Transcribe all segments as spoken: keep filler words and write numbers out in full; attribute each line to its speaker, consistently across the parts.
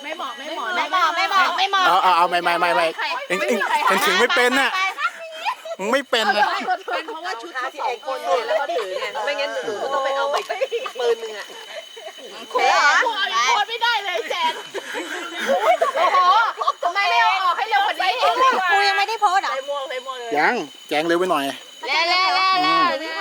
Speaker 1: ไม่เหมาะไม่เหมาะไม่เหมาะไม่เหมาะไม่เหมาะ
Speaker 2: เอาเอาเอาไม่ไม่ไม่ไม่เอ็งเอ็งเอ็งถึงไม่เป็นน่ะมึงไม่เป็นนะ
Speaker 1: เป็นเพราะว่าชุด
Speaker 3: ที่เองคนเนี่ยแล้วก็ถือเนี่ยไม่งั้นหนูก็ต้องไปเอาไปปืนหนึ่งอ่ะ
Speaker 1: โอ้โหโคตรไม่ได้เลยแจนโอ้โหทำไมไม่เอาออกให้เร็วกว่านี้กูยังไม่ได้โพสอ่ะ
Speaker 3: ใส่ม่วงใส่ม่วงเลย
Speaker 2: ยังแจงเร็วไปหน่อย
Speaker 1: เล่เล่เล่เล่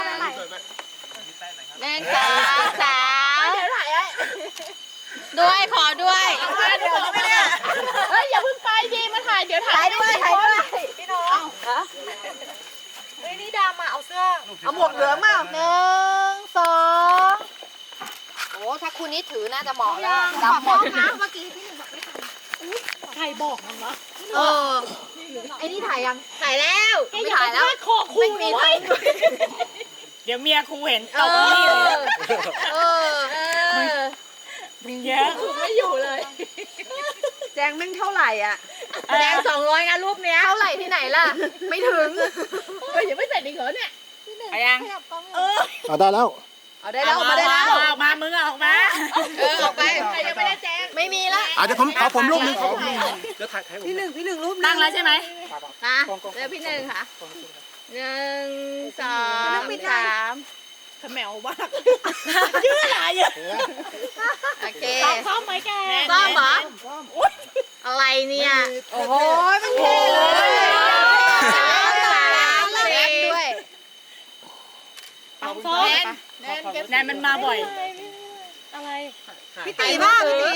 Speaker 1: เล่นสาวสาวเดี๋ยวถ่ายไว้ด้วยขอด้วยเดี๋ยวไม่ได้เฮ้ยอย่าเพิ่งไปดีมาถ่ายเดี๋ยวถ่ายด้วยถ่ายด้วยพี่น้องเฮ้ยนี่ดามาเอาเสื้อ
Speaker 3: เอาหมวกเหลืองมา
Speaker 1: หนึ่งสองโอ้ถ้าคุณนี่ถือน่าจะเหมาะแล้วดำหมดนะเมื่อกี้พี่หนึ่งบอกไม่ทันใครบอกมันวะเออไอ้นี่ถ่ายยังถ่ายแล้วไม่ถ่ายแล้วคอคู่ไม่มี
Speaker 4: เดี๋ยวเมียครูเห็นตกนี่เลย
Speaker 1: เออเออ
Speaker 4: มึงเยอะ
Speaker 1: ไม่อยู่เลย
Speaker 3: แจงแม่งเท่าไหร่อ่ะ
Speaker 1: แดงสองร้อยนะรูปเนี้ยเท่าไหร่ที่ไหนล่ะไม่ถึงเฮ้ยยังไม่เสร็จอีกเหรอเนี่ย
Speaker 4: เอายัง
Speaker 1: เออ
Speaker 2: เอาได้แล้ว
Speaker 3: เอาได้แล้วมาได้แล้ว
Speaker 4: ออกมามึงออกมา
Speaker 1: เออออกไปใครยังไม่ได้แจ้งไม่มีละ
Speaker 2: อาจจะผมขอผมรูปหนึงขอผมรูปหนึ่งเดี๋ยวถ่ายถ่ายผม
Speaker 3: พี่หนึ่งพี่หนึ่งรูป
Speaker 4: ตั้งแล้วใช่ไหม
Speaker 1: ค่ะเดี๋ยวพี่หนึ่งค่ะหนึ่งสองสามขมวมากยืดหลายเยอะโอเคซ้อมไหมแกซ้อมเหรออะไรเนี่ยโอ้โหมันเท่เลยสามสามสี่ด้วย
Speaker 4: ปังซ้อมแนนมันมาบ่อย
Speaker 3: พี่ตีบ้างพี่ตี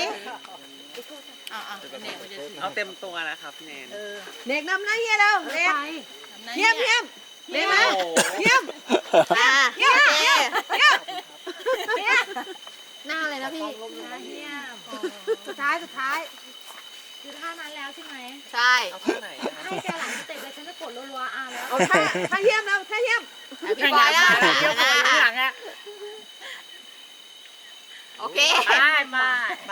Speaker 5: เอาเต็มตัวนะครับแนน
Speaker 3: เด็กนำหน้าเฮียแล้วเด็กเฮียมเฮียมเด็กนะเฮียม
Speaker 1: อ่ะ
Speaker 3: เฮียมเฮียมเฮียม
Speaker 1: หน้าเลยนะพี่
Speaker 3: สุดท้ายสุดท้าย
Speaker 6: คือท่านั้นแล้วใช่ไหม
Speaker 1: ใช่
Speaker 5: เอาท่าไหนอะ
Speaker 6: ให้แกหลังสเต็ปเลยฉันจะกดรัวๆอ่ะแล้ว
Speaker 3: เอาท่าท่าเฮียมแล้วท่าเฮียม
Speaker 1: พี่บอยแล้ว
Speaker 4: เดี๋ยวคนข้างหลังอ่ะ
Speaker 1: โอเค
Speaker 4: ไปมา
Speaker 1: ไป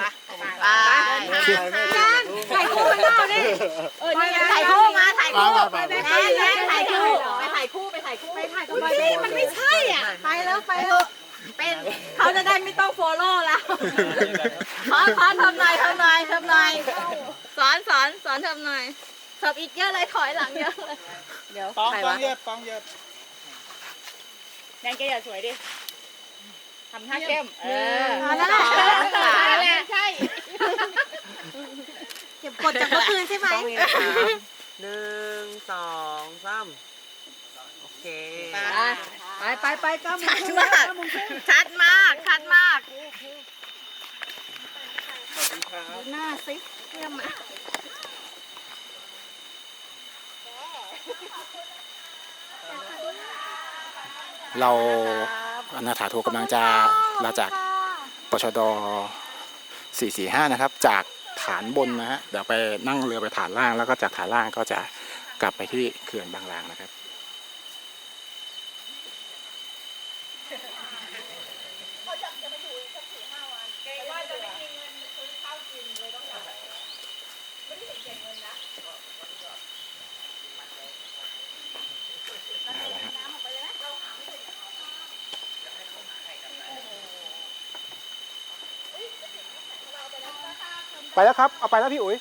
Speaker 3: ถ่ายคู่ให้เราดิ
Speaker 1: เออนี่ถ่ายคู่มาถ่ายคู่
Speaker 2: ไปไปไป
Speaker 1: แม่ถ่ายคู่ไปถ่ายคู่ไปถ่ายคู่ไปถ่ายกับพี่มันไม่ใช่อ่ะ
Speaker 3: ไปแล้วไปเถอะ
Speaker 1: เป็นเขาจะได้ไม่ต้องโฟโล่แล้วขอขอทำหน่อยทำหน่อยทำหน่อยสอนสอนสอนทำหน่อยเสิร์ฟอีกเยอะเลยถอยหลังเยอะเลยเดี๋ยว
Speaker 2: ป้อง
Speaker 1: ใคร
Speaker 2: ป้อ
Speaker 1: วะ
Speaker 2: งเยอะป้องเยอะ
Speaker 4: แนนแกอย่าสวยดิทำท่าเข้มเออ
Speaker 1: นั่นแหละนั่นแหละใช่
Speaker 3: เก็บกดจากเมื่อคืนใช่ไหม
Speaker 5: ต้องมีนะครับหนึ่งสองสามโอเค
Speaker 3: ไปไปไปเก้าโมง
Speaker 1: ชัด
Speaker 3: ครึ่ง
Speaker 1: มากชัดมากชัดมาก หน้าซิเยี่ยมมาก
Speaker 2: เราอนาถาโทกำลังจะลาจากปชดสี่สี่ห้านะครับ จากฐานบนนะฮะเดี๋ยวไปนั่งเรือไปฐานล่างแล้วก็จากฐานล่างก็จะกลับไปที่เขื่อนบางลางนะครับเอาละฮะไปแล้วครับ เอาไปแล้วพี่อุ๋ย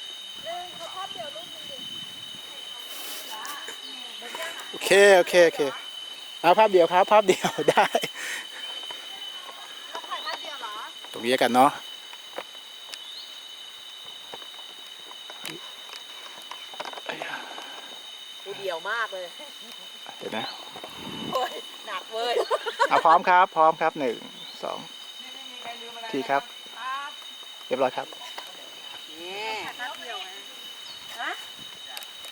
Speaker 2: โอเค โอเค โอเคเอาภาพเดียวครับ ภาพเดียว ได้ ตรงนี้กันเนาะ
Speaker 3: กูเดี่ยวมากเลย
Speaker 2: เดี๋ยวนะ
Speaker 3: หนักเว้ย
Speaker 2: เอาพร้อมครับ พร้อมครับหนึ่งสองทีครับ เรียบร้อยครับ